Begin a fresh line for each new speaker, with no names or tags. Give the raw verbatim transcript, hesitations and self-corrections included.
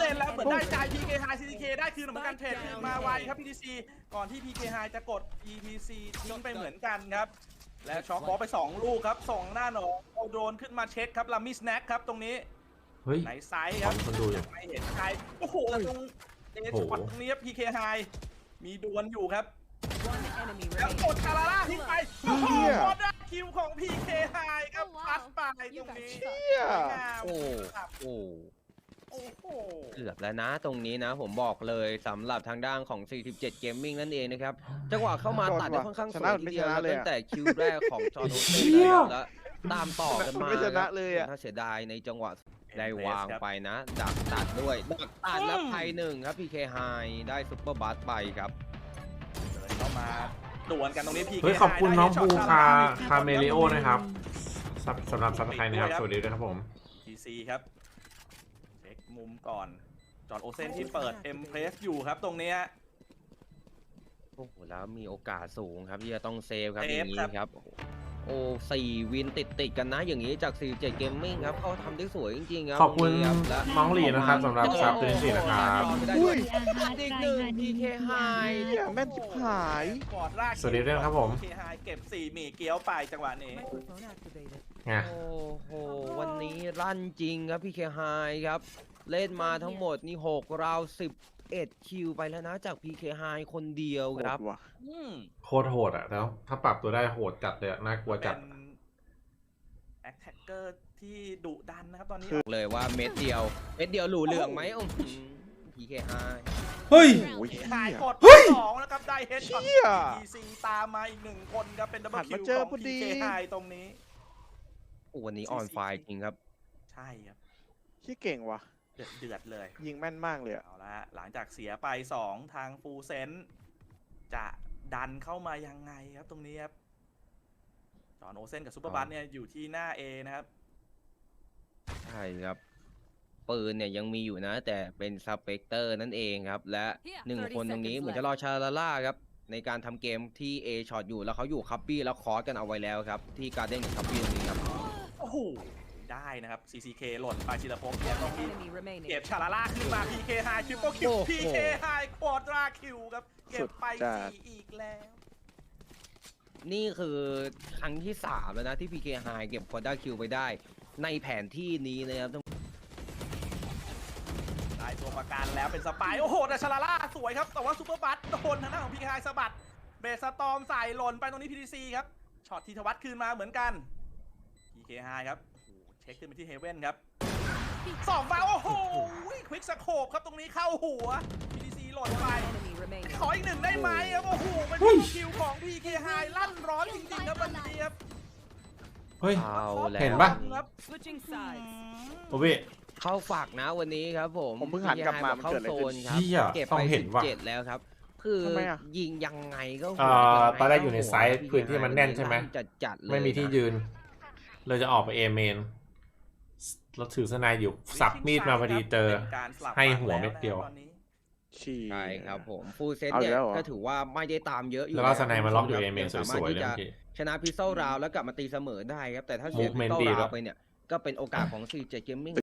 ล่นแล้วเหมือนได้ใจ พี เค High ซี ที เค ได้คืนเหมือนกันเทรดคืนมาไวครับ พี ที ซี ก่อนที่ พี เค High จะกด อี ที ซี ทิ้งไปเหมือนกันครับและช็อกบอลไปสองลูกครับส่งหน้าหนองเอาโดรนขึ้นมาเช็คครับลามิสแน็คครับตรงนี้
เฮ้ย
ไหนไซส์ครับ
คนดูอยู่
ไม่เห็นใครโอ้โหตรงเอช็อตตรงนี้ครับ พี เค High มีดวลอยู่ครับแล้วกดคาราล่าทิ้งไปโอ้โหบอลได้คิวของ พี เค High ครับพัดไปตรงนี้
โอ้โห
โอ้โห
เกือบแล้วนะตรงนี้นะผมบอกเลยสำหรับทางด้านของ สี่สิบเจ็ด Gaming นั่นเองนะครับจังหวะเข้ามาตัดได้ค่อนข้างสวยทีเดียวตั้งแต่คิวแรกของจอร์โดเซ่แล้วตามต่อกันมาถ้าเสียดายในจังหวะได้วางไปนะดักตัดด้วยดักตัดแล้วไพหนึ่งครับ พี เค High ได้ซุปเปอร์บัสไปครับ
เดินเข้ามาดวลกันตรงนี้ พี เค
เฮ้ยขอบคุณ
High
น้อง
ได้
ภู
ช็ต
คา
ค
คาเมลิโอนะครับสำสำหรับซับสไครต์นะครับสวัสดีด้วยครับผม
ที ซี ครับเช็คมุมก่อนจอร์นโอเซนที่เปิดเอ็มเพรสอยู่ครับตรงเนี้ย
โอ้โหแล้วมีโอกาสสูงครับที่จะต้องเซฟครับ
เซ
อ
ฟ
ย่างนี้
ครับ
ครับโอ้สี่วินติดติดๆกันนะอย่างนี้จาก สี่สิบเจ็ด Gaming ครับเขาทำได้สวยจริงๆครับ
ขอบคุณ
ตรงนี้รับและ
น้องหลีนะครับสำหรับซับตัวที่สี่นะครับ
อุ้ยอีกหนึ่ง พี เค High
แม่นชิบหาย
กอดลาก
สวัสดีด้วยนะครับผม
พี เค High เก็บสี่หมี่เกี๊ยวไปจังหวะนี้
ไง
โอ้โหวันนี้ลั่นจริงครับ พี เค High ครับเล่นมาทั้งหมดนี่หกราวสิบเอ็ดคิวไปแล้วนะจาก พี เค High คนเดียวครับ
โหดว่ะ
อืม
โคตรโหดอ่ะแล้วถ้าปรับตัวได้โหดจัดเลยอะน่ากลัวจัด
เป็นแอคแท็กเกอร์ที่ดุดันนะครับตอนนี้
เลยว่าเม็ดเดียวเม็ดเดียวหลูเหลืองไหมอื้อหือ พี เค High
เฮ้ย
โอ้ย
หาย
เหี้ย
กดสองนะครับได้เฮดช็อต
เหี้ย
ที ซี ตามมาอีกหนึ่งคนครับเป็นดับเบิ
หั
ล
น
คิ
มาว เจอ
ของ
พอดี
พี เค High ตรงนี้
โอ้วันนี้ออนไฟจริงครับ
ใช่ครับ
ขี้เก่งว่ะ
เดือดเดือดเลย
ยิงแม่นมากเลยอะ
เอาละหลังจากเสียไปสองทางฟูเซนจะดันเข้ามายังไงครับตรงนี้ครับจอห์นโอเซนกับซูเปอร์บัสเนี่ยอยู่ที่หน้า A นะครับ
ใช่ครับปืนเนี่ยยังมีอยู่นะ แต่เป็นสเปกเตอร์นั่นเองครับ และหนึ่งคนตรงนี้เหมือนจะรอชาลาล่าครับ ในการทำเกมที่ A ช็อตอยู่แล้วเขาอยู่คับบี้แล้วคอร์สกันเอาไว้แล้วครับ ที่การ์เด้นกับคับบี้ตรงนี้ครับ
โอ้โห ได้นะครับ ซี ซี เค หล่นไปชิลภพเนี่ยต้องที่เก็บชาลาล่าขึ้นมา พี เค High คิวโปคิว
โอ้โห
พี เค High ควอดราคิวครับ เก็บไป
สุดจัด
สี่อีกแล้ว
นี่คือครั้งที่สามแล้วนะที่ พี เค High เก็บควอด้าคิวไปได้ ในแผนที่นี้นะครับ
ได้ตัวประกันแล้วเป็นสปาย โอ้โห แต่ชาลาล่าสวยครับ แต่ว่าซูเปอร์บัสโดนทางด้านของ พี เค High สะบัด เบสสตอมใส่หล่นไปตรงนี้ พี ที ซี ครับ ช็อตทีทวัตคืนมาเหมือนกัน พี เค High ครับ โอ้โห เช็คขึ้นไปที่เฮเว่นครับสองฟ้าโอ้โห ควิกสโคปครับตรงนี้เข้าหัว พี ที ซี หล่นไป ขออีกหนึ่งได้ไหมครับ โอ้โห เป็นคิวของ พี เค High ลั่นร้อนจริงๆครับวันนี้ครับ
เฮ้ย
เอาแล้ว
เห็นปะ
ครับ
โอเว่
เข้าฝากนะวันนี้ครับผม
ผมเพิ่งหันกลับมา
เข้าโซนครับ
เหี้ย
เก็บ
ต้อ
ไป
งเห็
สิ
น
บ
ว่ะ
เจ็ดแล้วครับ คือ
ทำไมอะ
ยิงยังไงก็
เอ่อ
หัว
ตอนแรกอยู่ในไซส์พื้นที่มันแน่นใช่ไหม
จัดจัดๆเลย
ไม่มีที่ยืน เลยจะออกไปเอเมนเราถือสไนด์อยู่สับมีดมาพอดีเจอ
ป็นการสลับ
ให้หัวเม็ดเดียว
ตอนนี้
ฉี่
ใช่ครับผมฟูลเซต
เอาอี
เนี่ย
กแล้วเหรอ
ก็ถือว่าไม่ได้ตามเยอะอยู่
แล้วก็สไนด์มาล็อกอยู่
ค
เอ
รับ
เมนส
สามารถ
วยๆ
ที่
เลย
จะ
เมื่อกี้
ชนะพิซเซลราวแล้วกลับมาตีเสมอได้ครับ แต่ถ้าเสียพิซ
Movement
เซล
ดี
รา
แล้ว ว
ไปเนี่ยก็เป็นโอกาสของ ซี เจ็ด Gaming